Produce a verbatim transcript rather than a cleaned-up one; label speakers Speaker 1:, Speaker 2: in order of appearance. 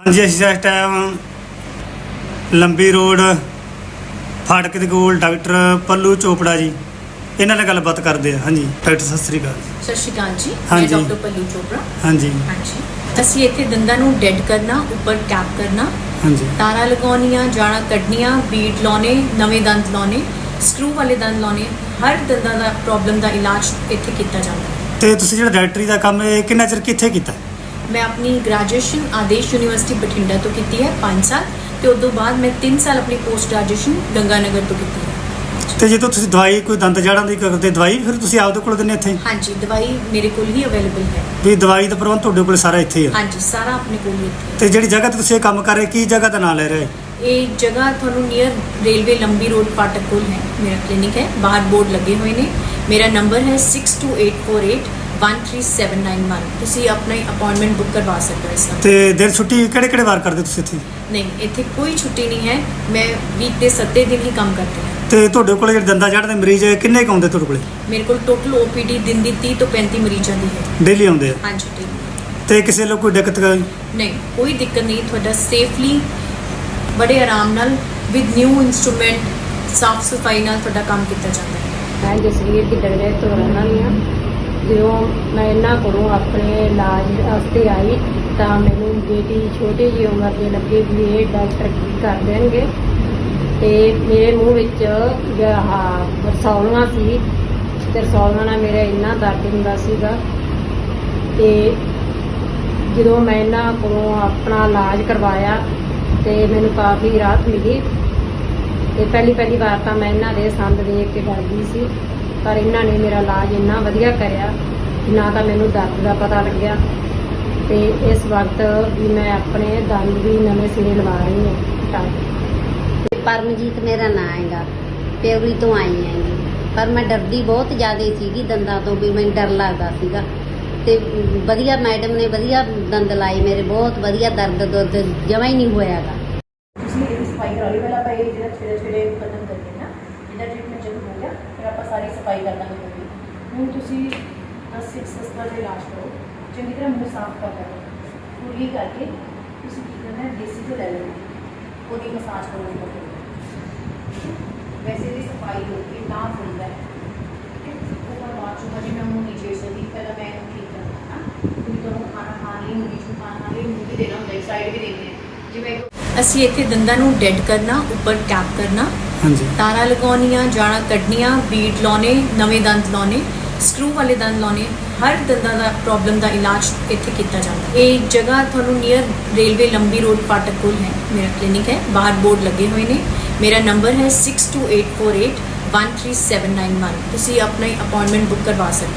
Speaker 1: जी असीं इस टाइम लंबी रोड फाटक दे कोल डॉक्टर पल्लू चोपड़ा जी इन्हां नाल गलबात करदे आ। हाँ जी डॉक्टर सत श्री अकाल।
Speaker 2: सत श्री अकाल जी।
Speaker 1: हाँ
Speaker 2: मैं
Speaker 1: जी।
Speaker 2: डॉक्टर पल्लू चोपड़ा।
Speaker 1: हाँ जी
Speaker 2: हाँ जी ਅਸੀਂ ਇੱਥੇ ਦੰਦਾਂ ਨੂੰ ਡੈਡ ਕਰਨਾ, ਉੱਪਰ ਟੈਪ ਕਰਨਾ,
Speaker 1: हाँ जी
Speaker 2: ਤਾਰਾਂ ਲਗਾਉਣੀਆਂ, ਜਾਣਾ ਕੱਢਣੀਆਂ, ਬੀਟ ਲਾਉਣੇ, ਨਵੇਂ ਦੰਦ ਲਾਉਣੇ, ਸਕਰੂ ਵਾਲੇ ਦੰਦ ਲਾਉਣੇ, ਹਰ ਦੰਦਾਂ ਦਾ ਪ੍ਰੋਬਲਮ ਦਾ ਇਲਾਜ ਇੱਥੇ ਕੀਤਾ ਜਾਂਦਾ ਹੈ।
Speaker 1: ਤੇ ਤੁਸੀਂ ਜਿਹੜਾ ਡਾਇਰੈਕਟਰੀ ਦਾ ਕੰਮ ਇਹ ਕਿੰਨਾ ਚਿਰ ਕਿੱਥੇ ਕੀਤਾ?
Speaker 2: ਮੈਂ ਆਪਣੀ ਗ੍ਰੈਜੂਏਸ਼ਨ ਆਦੇਸ਼ ਯੂਨੀਵਰਸਿਟੀ ਬਠਿੰਡਾ ਤੋਂ ਕੀਤੀ ਹੈ ਪੰਜ ਸਾਲ, ਤੇ ਉਸ ਤੋਂ ਬਾਅਦ ਮੈਂ ਤਿੰਨ ਸਾਲ ਆਪਣੀ ਪੋਸਟ ਗ੍ਰੈਜੂਏਸ਼ਨ ਗੰਗਾਨਗਰ ਤੋਂ ਕੀਤੀ ਹੈ।
Speaker 1: ਤੇ ਜਦੋਂ ਤੁਸੀਂ ਦਵਾਈ ਕੋਈ ਦੰਦ ਜੜਾਂ ਦੀ ਕਰਦੇ ਦਵਾਈ ਫਿਰ ਤੁਸੀਂ ਆਪਦੇ ਕੋਲ ਦਿੰਦੇ ਇੱਥੇ?
Speaker 2: ਹਾਂਜੀ ਦਵਾਈ ਮੇਰੇ ਕੋਲ ਹੀ ਅਵੇਲੇਬਲ ਹੈ।
Speaker 1: ਵੀ ਦਵਾਈ ਦਾ ਪ੍ਰਬੰਧ ਤੁਹਾਡੇ ਕੋਲ ਸਾਰਾ ਇੱਥੇ ਹੀ ਆ?
Speaker 2: ਹਾਂਜੀ ਸਾਰਾ ਆਪਣੇ ਕੋਲ ਹੀ ਇੱਥੇ ਹੈ।
Speaker 1: ਤੇ ਜਿਹੜੀ ਜਗ੍ਹਾ ਤੇ ਤੁਸੀਂ ਇਹ ਕੰਮ ਕਰ ਰਹੇ ਕੀ ਜਗ੍ਹਾ ਦਾ ਨਾਂ ਲੈ ਰਹੇ?
Speaker 2: ਇਹ ਜਗ੍ਹਾ ਤੁਹਾਨੂੰ ਨੀਅਰ ਰੇਲਵੇ ਲੰਬੀ ਰੋਡ ਫਾਟਕ ਕੋਲ ਹੈ। ਮੇਰਾ ਕਲੀਨਿਕ ਹੈ, ਬਾਹਰ ਬੋਰਡ ਲੱਗੇ ਹੋਏ ਨੇ। ਮੇਰਾ ਨੰਬਰ ਹੈ six two eight four eight one three seven nine one. ਤੁਸੀਂ ਆਪਣਾ ਅਪਾਇੰਟਮੈਂਟ ਬੁੱਕ ਕਰਵਾ ਸਕਦੇ ਹੋ ਇਸ ਨਾਲ।
Speaker 1: ਤੇ ਦਿਨ ਛੁੱਟੀ ਕਿਹੜੇ ਕਿਹੜੇ ਵਾਰ ਕਰਦੇ ਤੁਸੀਂ ਇੱਥੇ?
Speaker 2: ਨਹੀਂ ਇੱਥੇ ਕੋਈ ਛੁੱਟੀ ਨਹੀਂ ਹੈ। ਮੈਂ ਵੀਕ ਦੇ ਸੱਤੇ ਦਿਨ ਹੀ ਕੰਮ ਕਰਦੀ ਹਾਂ।
Speaker 1: ਤੇ ਤੁਹਾਡੇ ਕੋਲ ਜਿਹੜੇ ਦੰਦਾਂ ਜੜ੍ਹ ਦੇ ਮਰੀਜ਼ ਕਿੰਨੇ ਕੁ ਆਉਂਦੇ ਤੁਹਾਡੇ ਕੋਲੇ?
Speaker 2: ਮੇਰੇ ਕੋਲ ਟੋਟਲ ਓ ਪੀ ਡੀ ਦਿਨ ਦੀ ਤੀਹ ਤੋਂ ਪੈਂਤੀ ਮਰੀਜ਼ਾਂ ਦੀ ਹੈ।
Speaker 1: ਡੇਲੀ ਆਉਂਦੇ ਆ?
Speaker 2: ਹਾਂਜੀ ਠੀਕ।
Speaker 1: ਤੇ ਕਿਸੇ ਨੂੰ ਕੋਈ ਦਿੱਕਤ?
Speaker 2: ਨਹੀਂ ਕੋਈ ਦਿੱਕਤ ਨਹੀਂ। ਤੁਹਾਡਾ ਸੇਫਲੀ ਬੜੇ ਆਰਾਮ ਨਾਲ ਵਿਦ ਨਿਊ ਇਨਸਟਰੂਮੈਂਟ ਸਾਫ ਸਫਾਈ ਨਾਲ ਤੁਹਾਡਾ ਕੰਮ ਕੀਤਾ ਜਾਂਦਾ ਹੈ।
Speaker 3: ਮੈਂ ਜਸਵੀਰ ਦੀ ਡਗੜੇ ਤੋਂ ਰਹਿਣ ਵਾਲੀ ਹਾਂ। ਜਦੋਂ ਮੈਂ ਇਹਨਾਂ ਕੋਲੋਂ ਆਪਣੇ ਇਲਾਜ ਵਾਸਤੇ ਆਈ ਤਾਂ ਮੈਨੂੰ ਬੇਟੀ ਛੋਟੀ ਜਿਹੀ ਉਮਰ ਦੇ ਲੱਗੇ ਵੀ ਇਹ ਡਾਕਟਰ ਕੀ ਕਰ ਦੇਣਗੇ, ਤੇ ਮੇਰੇ ਮੂੰਹ ਵਿੱਚ ਆਹ ਰਸੌਲੀਆਂ ਸੀ, ਤੇ ਰਸੌਲੀਆਂ ਨਾਲ ਮੇਰਾ ਇੰਨਾ ਦਰਦ ਹੁੰਦਾ ਸੀਗਾ। ਤੇ ਜਦੋਂ ਮੈਂ ਇਹਨਾਂ ਕੋਲੋਂ ਆਪਣਾ ਇਲਾਜ ਕਰਵਾਇਆ ਤੇ ਮੈਨੂੰ ਕਾਫੀ ਰਾਹਤ ਮਿਲੀ। ਤੇ ਪਹਿਲੀ ਪਹਿਲੀ ਵਾਰ ਤਾਂ ਮੈਂ ਇਹਨਾਂ ਦੇ ਸੰਦ ਦੇਖ ਕੇ ਡਰ ਗਈ ਸੀ, ਪਰ ਇਹਨਾਂ ਨੇ ਮੇਰਾ ਇਲਾਜ ਇੰਨਾ ਵਧੀਆ ਕਰਿਆ ਕਿ ਨਾ ਤਾਂ ਮੈਨੂੰ ਦਰਦ ਦਾ ਪਤਾ ਲੱਗਿਆ, ਤੇ ਇਸ ਵਕਤ ਵੀ ਮੈਂ ਆਪਣੇ ਦੰਦ ਵੀ ਨਵੇਂ ਸਿਰੇ ਲਵਾ ਰਹੀ ਹਾਂ।
Speaker 4: ਪਰਮਜੀਤ ਮੇਰਾ ਨਾਂ ਹੈਗਾ, ਪਿਉਰੀ ਤੋਂ ਆਈ ਹੈਗੀ। ਪਰ ਮੈਂ ਡਰਦੀ ਬਹੁਤ ਜ਼ਿਆਦਾ ਸੀਗੀ ਦੰਦਾਂ ਤੋਂ, ਵੀ ਮੈਨੂੰ ਡਰ ਲੱਗਦਾ ਸੀਗਾ। ਤੇ ਵਧੀਆ ਮੈਡਮ ਨੇ ਵਧੀਆ ਦੰਦ ਲਾਏ ਮੇਰੇ, ਬਹੁਤ ਵਧੀਆ ਦਰਦ ਦੁੱਧ ਜਮਾ ਹੀ ਨਹੀਂ ਹੋਇਆਗਾ।
Speaker 2: ਤੁਸੀਂ ਇਹਦੀ ਸਫਾਈ ਕਰਾ ਲਈ। ਪਹਿਲਾਂ ਆਪਾਂ ਇਹ ਜਿਹੜਾ ਛੇੜੇ ਛੇੜੇ ਖਤਮ ਕਰਕੇ ਨਾ, ਇਹਦਾ ਟ੍ਰੀਟਮੈਂਟ ਜਦੋਂ ਹੋ ਗਿਆ ਫਿਰ ਆਪਾਂ ਸਾਰੀ ਸਫਾਈ ਕਰ ਦਾਂਗੇ ਪੂਰੀ। ਹੁਣ ਤੁਸੀਂ ਦਸ ਸਿਕਸ ਸਸਤਾ ਦਾ ਇਲਾਜ ਕਰੋ, ਚੰਗੀ ਤਰ੍ਹਾਂ ਮੂੰਹ ਸਾਫ਼ ਕਰ ਲਓ। ਪੂਰੀ ਕਰਕੇ ਤੁਸੀਂ ਕੀ ਕਰਨਾ ਹੈ, ਦੇਸੀ ਤੋਂ ਲੈ ਲੈਣਾ, ਉਹਦੀ ਮਸਾਜ ਕਰੋ। ਵੈਸੇ ਦੀ ਸਫਾਈ ਹੋ ਕੇ ਨਾ ਹੁੰਦਾ ਹੈ ਉਹ ਬਾਅਦ ਚੋਂ ਜਿਵੇਂ ਮੂੰਹ ਨਹੀਂ ਛੇੜ ਸਕਦੀ, ਪਹਿਲਾਂ ਮੈਂ ਇਹਨੂੰ ਠੀਕ ਕਰਨਾ ਨਾ। ਤੁਸੀਂ ਤੁਹਾਨੂੰ ਖਾਣਾ ਖਾਣ ਲਈ ਮੂੰਹ ਵਿੱਚ ਖਾਣਾ ਖਾਣ ਲਈ ਮੂੰਹ ਵੀ ਦੇਣਾ ਹੁੰਦਾ, ਇੱਕ ਸਾਈਡ ਵੀ ਦੇਣੀ ਹੈ। ਜਿਵੇਂ ਅਸੀਂ ਇੱਥੇ ਦੰਦਾਂ ਨੂੰ ਡੈਡ ਕਰਨਾ, ਉੱਪਰ ਟੈਪ ਕਰਨਾ,
Speaker 1: हाँ जी
Speaker 2: ਤਾਰਾਂ ਲਗਾਉਣੀਆਂ, ਜਾਣਾ ਕੱਢਣੀਆਂ, ਬੀਟ ਲਾਉਣੇ, ਨਵੇਂ ਦੰਦ ਲਾਉਣੇ, ਸਕਰੂ ਵਾਲੇ ਦੰਦ ਲਾਉਣੇ, ਹਰ ਦੰਦਾਂ ਦਾ ਪ੍ਰੋਬਲਮ ਦਾ ਇਲਾਜ ਇੱਥੇ ਕੀਤਾ ਜਾਂਦਾ ਹੈ। ਇਹ ਜਗ੍ਹਾ ਤੁਹਾਨੂੰ ਨੀਅਰ ਰੇਲਵੇ ਲੰਬੀ ਰੋਡ ਫਾਟਕ ਕੋਲ ਹੈ। ਮੇਰਾ ਕਲੀਨਿਕ ਹੈ, ਬਾਹਰ ਬੋਰਡ ਲੱਗੇ ਹੋਏ ਨੇ। ਮੇਰਾ ਨੰਬਰ ਹੈ six two eight four eight one three seven nine one. ਤੁਸੀਂ ਆਪਣਾ ਅਪਾਇੰਟਮੈਂਟ ਬੁੱਕ ਕਰਵਾ ਸਕਦੇ ਹੋ।